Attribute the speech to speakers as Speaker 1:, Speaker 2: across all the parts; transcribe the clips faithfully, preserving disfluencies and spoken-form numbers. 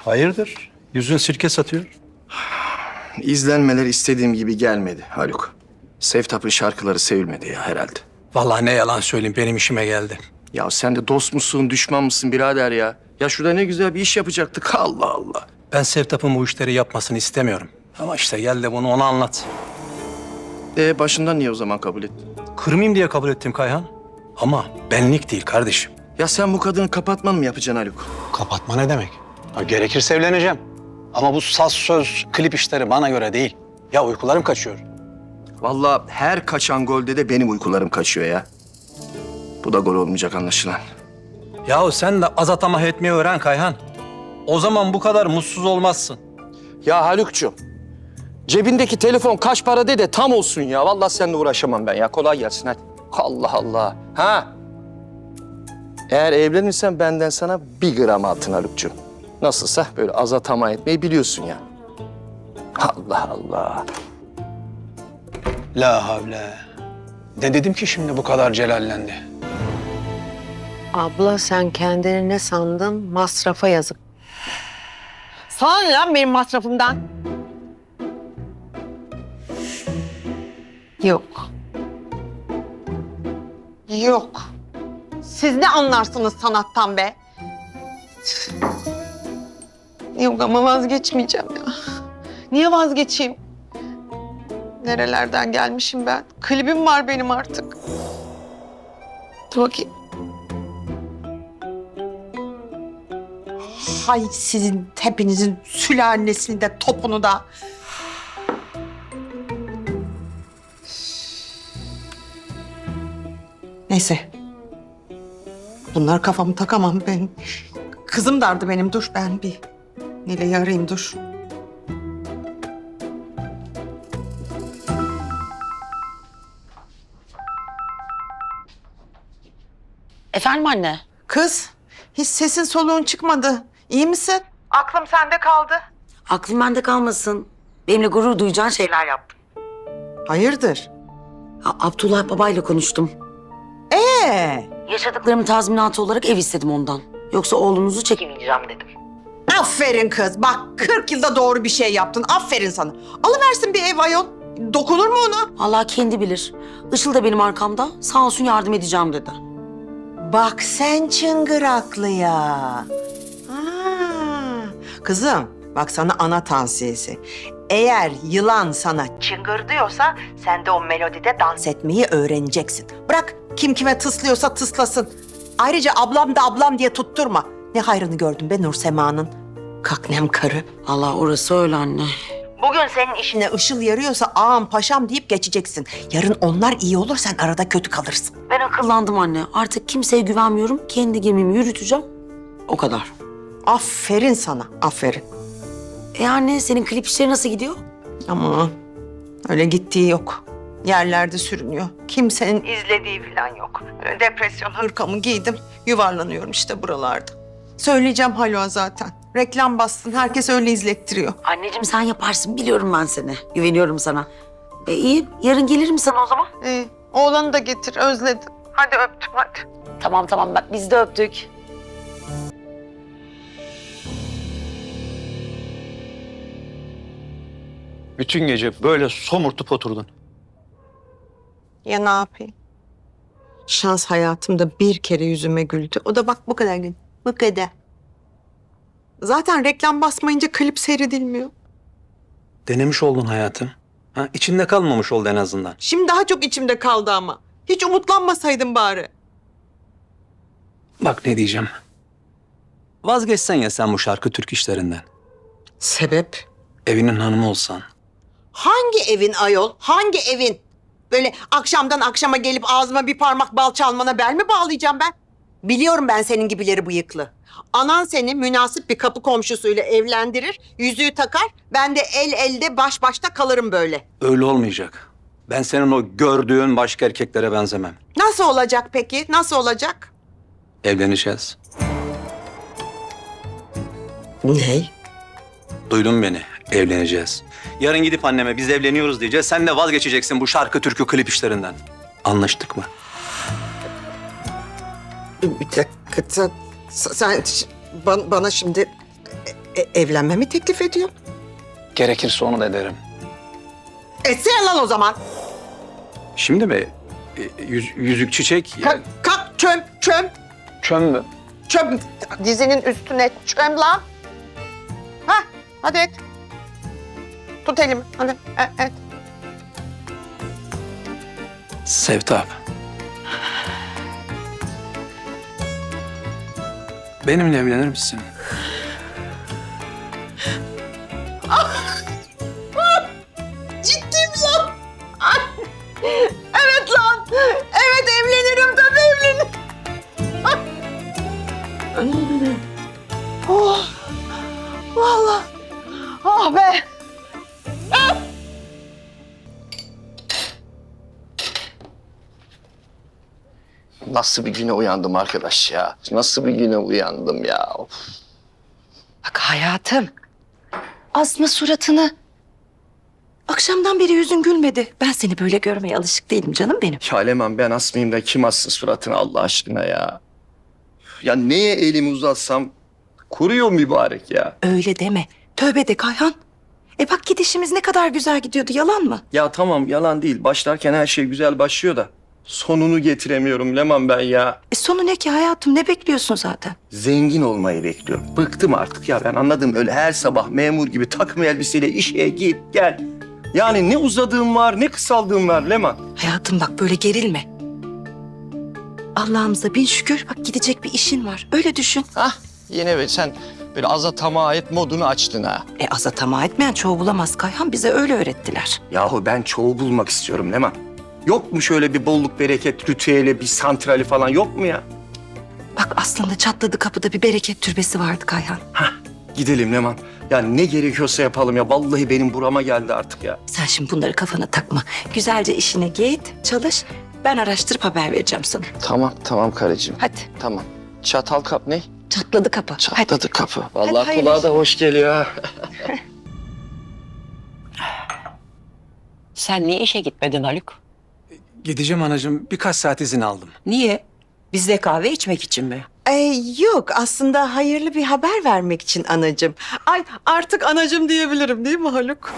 Speaker 1: Hayırdır? Yüzün sirke satıyor.
Speaker 2: İzlenmeler istediğim gibi gelmedi Haluk. Sevtap'ın şarkıları sevilmedi ya herhalde.
Speaker 1: Vallahi ne yalan söyleyeyim benim işime geldi.
Speaker 2: Ya sen de dost musun, düşman mısın birader ya? Ya şurada ne güzel bir iş yapacaktık. Allah Allah.
Speaker 1: Ben Sevtap'ın bu işleri yapmasını istemiyorum. Ama işte gel de bunu ona anlat.
Speaker 2: E başından niye o zaman kabul ettin?
Speaker 1: Kırmayayım diye kabul ettim Kayhan. Ama benlik değil kardeşim.
Speaker 2: Ya sen bu kadını kapatman mı yapacaksın Haluk?
Speaker 1: Kapatma ne demek? Ha, gerekirse evleneceğim. Ama bu saz söz, klip işleri bana göre değil. Ya uykularım kaçıyor.
Speaker 2: Vallahi her kaçan golde de benim uykularım kaçıyor ya. Bu da gol olmayacak anlaşılan.
Speaker 1: Yahu sen de az atama etmeyi öğren Kayhan. O zaman bu kadar mutsuz olmazsın.
Speaker 2: Ya Haluk'cum, cebindeki telefon kaç para de de tam olsun ya. Vallahi seninle uğraşamam ben ya. Kolay gelsin hadi. Allah Allah. Ha? Eğer evlenirsen benden sana bir gram altın Haluk'cum. Nasılsa böyle az atama etmeyi biliyorsun ya. Allah Allah.
Speaker 1: La havle. Ne dedim ki şimdi bu kadar celallendi?
Speaker 3: Abla sen kendini ne sandın? Masrafa yazık. Sana ne lan benim masrafımdan? Yok. Yok. Siz ne anlarsınız sanattan be? Yok ama vazgeçmeyeceğim ya. Niye vazgeçeyim? Nerelerden gelmişim ben? Klibim var benim artık. Dur bakayım. Hay sizin hepinizin sülalesini de topunu da. Neyse. Bunlar kafamı takamam ben. Kızım dardı benim. Dur ben bir Nile'yi arayayım dur.
Speaker 4: Efendim anne?
Speaker 3: Kız, hiç sesin soluğun çıkmadı. İyi misin? Aklım sende kaldı.
Speaker 4: Aklım bende kalmasın. Benimle gurur duyacağın şeyler yaptım.
Speaker 3: Hayırdır?
Speaker 4: Ya, Abdullah babayla konuştum.
Speaker 3: Ee,
Speaker 4: Yaşadıklarımın tazminatı olarak ev istedim ondan. Yoksa oğlunuzu çekemeyeceğim dedim.
Speaker 3: aferin kız. Bak kırk yılda doğru bir şey yaptın. Aferin sana. Alıversin bir ev ayol. Dokunur mu ona?
Speaker 4: Allah kendi bilir. Işıl da benim arkamda. Sağ olsun yardım edeceğim dedi.
Speaker 3: Bak sen çıngıraklıya. Ha. Kızım bak sana ana tavsiyesi. Eğer yılan sana çıngır diyorsa sen de o melodide dans etmeyi öğreneceksin. Bırak kim kime tıslıyorsa tıslasın. Ayrıca ablam da ablam diye tutturma. Ne hayrını gördün be Nur Sema'nın. Kaknem karı.
Speaker 4: Allah orası öyle anne.
Speaker 3: Bugün senin işine ışıl yarıyorsa ağam paşam deyip geçeceksin. Yarın onlar iyi olur sen arada kötü kalırsın.
Speaker 4: Ben akıllandım anne. Artık kimseye güvenmiyorum. Kendi gemimi yürüteceğim. O kadar.
Speaker 3: Aferin sana, aferin.
Speaker 4: E anne senin klip işleri nasıl gidiyor?
Speaker 3: Ama öyle gittiği yok. Yerlerde sürünüyor. Kimsenin izlediği falan yok. Öyle depresyon hırkamı giydim. Yuvarlanıyorum işte buralarda. Söyleyeceğim Haluk'a zaten. Reklam bastın. Herkes öyle izlettiriyor.
Speaker 4: Anneciğim sen yaparsın. Biliyorum ben seni. Güveniyorum sana. E iyi. Yarın gelirim sana o zaman.
Speaker 3: Ee, oğlanı da getir. Özledim. Hadi öptüm hadi.
Speaker 4: Tamam tamam bak biz de öptük.
Speaker 1: Bütün gece böyle somurtup oturdun.
Speaker 3: Ya ne yapayım? Şans hayatımda bir kere yüzüme güldü. O da bak bu kadar gün. Bu kadar. Zaten reklam basmayınca klip seyredilmiyor.
Speaker 1: Denemiş oldun hayatım. Ha, içinde kalmamış oldu en azından.
Speaker 3: Şimdi daha çok içimde kaldı ama. Hiç umutlanmasaydım bari.
Speaker 1: Bak ne diyeceğim. Vazgeçsen ya sen bu şarkı Türk işlerinden.
Speaker 3: Sebep?
Speaker 1: Evinin hanımı olsan.
Speaker 3: Hangi evin ayol? Hangi evin? Böyle akşamdan akşama gelip ağzıma bir parmak bal çalmana bel mi bağlayacağım ben? Biliyorum ben senin gibileri bıyıklı. Anan seni münasip bir kapı komşusuyla evlendirir, yüzüğü takar. Ben de el elde baş başta kalırım böyle.
Speaker 1: Öyle olmayacak. Ben senin o gördüğün başka erkeklere benzemem.
Speaker 3: Nasıl olacak peki? Nasıl olacak?
Speaker 1: Evleneceğiz.
Speaker 3: Ne?
Speaker 1: Duydun beni. Evleneceğiz. Yarın gidip anneme biz evleniyoruz diyeceğiz. Sen de vazgeçeceksin bu şarkı, türkü, klip işlerinden. Anlaştık mı?
Speaker 3: Bir dakika sen, sen bana, bana şimdi E, evlenme mi teklif ediyorsun?
Speaker 1: Gerekirse onu da ederim.
Speaker 3: Etsene lan o zaman.
Speaker 1: Şimdi mi? E, yüz- yüzük çiçek.
Speaker 3: Kalk, kalk çöm, çöm,
Speaker 1: Çöm mü?
Speaker 3: çöm. Dizinin üstüne çöm lan. Ha, hadi et. Tut elimi, hadi et. et.
Speaker 1: Sevtap. Benimle evlenir misin?
Speaker 3: Ciddiyim lan. Evet lan. Evet evlenirim tabii evlenirim. oh. Vallahi. Ah be.
Speaker 2: Nasıl bir güne uyandım arkadaş ya? Nasıl bir güne uyandım ya? Of.
Speaker 5: Bak hayatım, asma suratını. Akşamdan beri yüzün gülmedi. Ben seni böyle görmeye alışık değilim canım benim.
Speaker 2: Ya Leman ben asmayayım da kim assın suratını Allah aşkına ya? Ya neye elimi uzatsam kuruyor mübarek ya.
Speaker 5: Öyle deme. Tövbe de Kayhan. E bak gidişimiz ne kadar güzel gidiyordu, yalan mı?
Speaker 2: Ya tamam yalan değil. Başlarken her şey güzel başlıyor da sonunu getiremiyorum Leman ben ya.
Speaker 5: E sonu ne ki hayatım, ne bekliyorsun zaten?
Speaker 2: Zengin olmayı bekliyorum. Bıktım artık ya ben anladım öyle her sabah memur gibi takım elbiseyle işe git gel. Yani ne uzadığım var ne kısaldığım var Leman.
Speaker 5: Hayatım bak böyle gerilme. Allah'ımıza bin şükür bak gidecek bir işin var. Öyle düşün.
Speaker 2: Hah yine be sen böyle aza tamah et modunu açtın ha.
Speaker 5: E aza tamah etmeyen çoğu bulamaz Kayhan. Bize öyle öğrettiler.
Speaker 2: Yahu ben çoğu bulmak istiyorum Leman. Yok mu şöyle bir bolluk bereket ritüeli bir santrali falan yok mu ya?
Speaker 5: Bak aslında çatladı kapıda bir bereket türbesi vardı Kayhan.
Speaker 2: Gidelim Leman. Ya ne gerekiyorsa yapalım ya. Vallahi benim burama geldi artık ya.
Speaker 5: Sen şimdi bunları kafana takma. Güzelce işine git, çalış. Ben araştırıp haber vereceğim sana.
Speaker 2: Tamam tamam karıcığım.
Speaker 5: Hadi.
Speaker 2: Tamam. Çatal kap ne?
Speaker 5: Çatladı kapı. Hadi.
Speaker 2: Çatladı kapı. Vallahi
Speaker 5: hayırlı
Speaker 2: kulağa da hoş geliyor ha.
Speaker 6: Sen niye işe gitmedin Haluk?
Speaker 1: Gideceğim anacığım. Birkaç saat izin aldım.
Speaker 6: Niye? Bizde kahve içmek için mi?
Speaker 3: Ee, yok aslında hayırlı bir haber vermek için anacığım. Ay artık anacığım diyebilirim değil mi Haluk?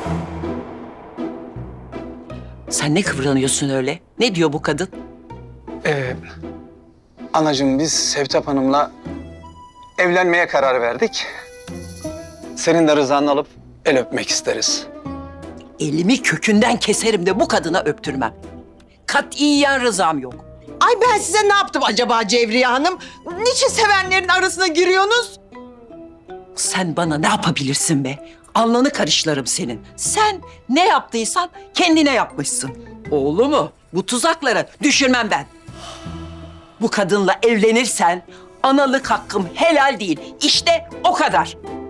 Speaker 6: Sen ne kıvranıyorsun öyle? Ne diyor bu kadın?
Speaker 1: Ee, anacığım biz Sevtap Hanım'la evlenmeye karar verdik. Senin de rızanı alıp el öpmek isteriz.
Speaker 6: Elimi kökünden keserim de bu kadına öptürmem. Katiyen rızam yok.
Speaker 3: Ay ben size ne yaptım acaba Cevriye Hanım? Niçin sevenlerin arasına giriyorsunuz?
Speaker 6: Sen bana ne yapabilirsin be? Alnını karışlarım senin. Sen ne yaptıysan kendine yapmışsın. Oğlumu bu tuzaklara düşürmem ben. Bu kadınla evlenirsen analık hakkım helal değil. İşte o kadar.